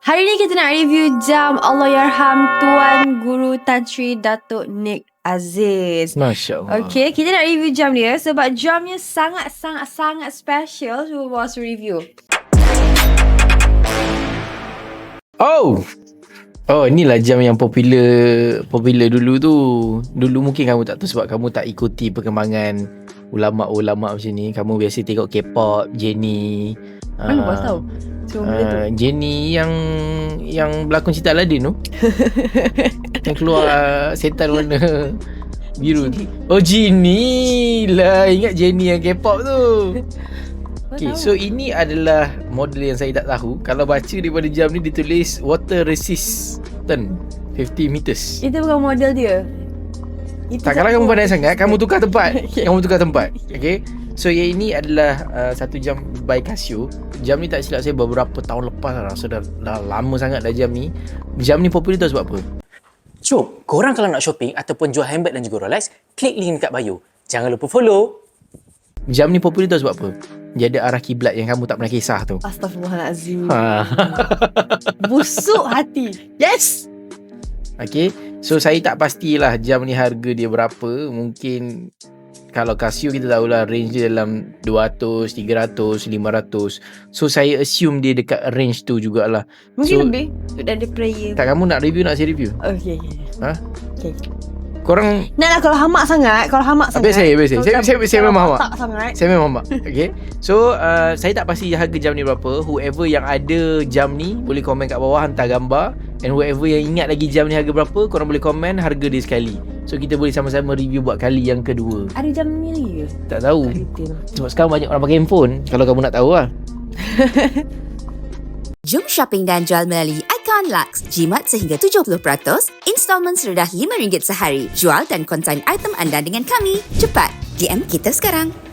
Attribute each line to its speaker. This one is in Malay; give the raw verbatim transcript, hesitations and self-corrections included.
Speaker 1: Hari ni kita nak review jam Allahyarham Tuan Guru Tan Sri Datuk Nik Aziz.
Speaker 2: Masya Allah.
Speaker 1: Okay, kita nak review jam dia sebab jamnya sangat-sangat-sangat special. Cuba bos review.
Speaker 2: Oh, Oh, inilah jam yang popular popular dulu tu. Dulu mungkin kamu tak tahu sebab kamu tak ikuti perkembangan ulama-ulama macam ni. Kamu biasa tengok K-pop, Jennie.
Speaker 1: Mana uh, bos tahu? Cuma benda tu.
Speaker 2: Uh, Jennie yang yang berlakon cerita Aladdin tu. Yang keluar setan warna biru tu. Oh, Jennie lah. Ingat Jennie yang K-pop tu. Okay, so ini adalah model yang saya tak tahu. Kalau baca daripada jam ni ditulis water resistant fifty meters.
Speaker 1: Itu bukan model dia. Itu
Speaker 2: tak, kalau kamu pandai sangat, kamu tukar tempat.
Speaker 1: Okay.
Speaker 2: Kamu tukar tempat. Okay. So yang ini adalah uh, satu jam by Casio. Jam ni tak silap saya beberapa tahun lepas lah. So dah, dah lama sangat dah jam ni. Jam ni popular tahu sebab apa?
Speaker 3: So, korang kalau nak shopping ataupun jual handbag dan juga Rolex, klik link dekat bio. Jangan lupa follow.
Speaker 2: Jam ni popular tahu sebab apa? Dia ada arah kiblat yang kamu tak pernah kisah tu.
Speaker 1: Astaghfirullahalazim.
Speaker 2: Ha.
Speaker 1: Busuk hati.
Speaker 2: Yes. Okay. So saya tak pastilah jam ni harga dia berapa. Mungkin kalau Casio kita tahulah range dia dalam dua ratus, tiga ratus, lima ratus. So saya assume dia dekat range tu jugalah.
Speaker 1: Mungkin
Speaker 2: so,
Speaker 1: lebih. Dan dia prayer.
Speaker 2: Tak, kamu nak review, nak saya review?
Speaker 1: Okay, okay.
Speaker 2: Ha?
Speaker 1: Okay.
Speaker 2: Korang
Speaker 1: Nak lah kalau hamak sangat. Kalau hamak sangat.
Speaker 2: Habis saya, habis saya. Saya, saya, saya, saya memang hamak.
Speaker 1: Tak sangat.
Speaker 2: Saya memang hamak. Okay. So uh, saya tak pasti harga jam ni berapa. Whoever yang ada jam ni boleh komen kat bawah, hantar gambar. And whoever yang ingat lagi jam ni harga berapa, korang boleh komen harga dia sekali. So kita boleh sama-sama review buat kali yang kedua.
Speaker 1: Ada jam ni lagi ke?
Speaker 2: Tak tahu.
Speaker 1: Retail.
Speaker 2: Sebab sekarang banyak orang pakai handphone. Kalau kamu nak tahu lah.
Speaker 4: Jom shopping dan jual melalui Icon Lux. Jimat sehingga tujuh puluh peratus, installment serendah lima ringgit sehari. Jual dan konsign item anda dengan kami. Cepat, D M kita sekarang.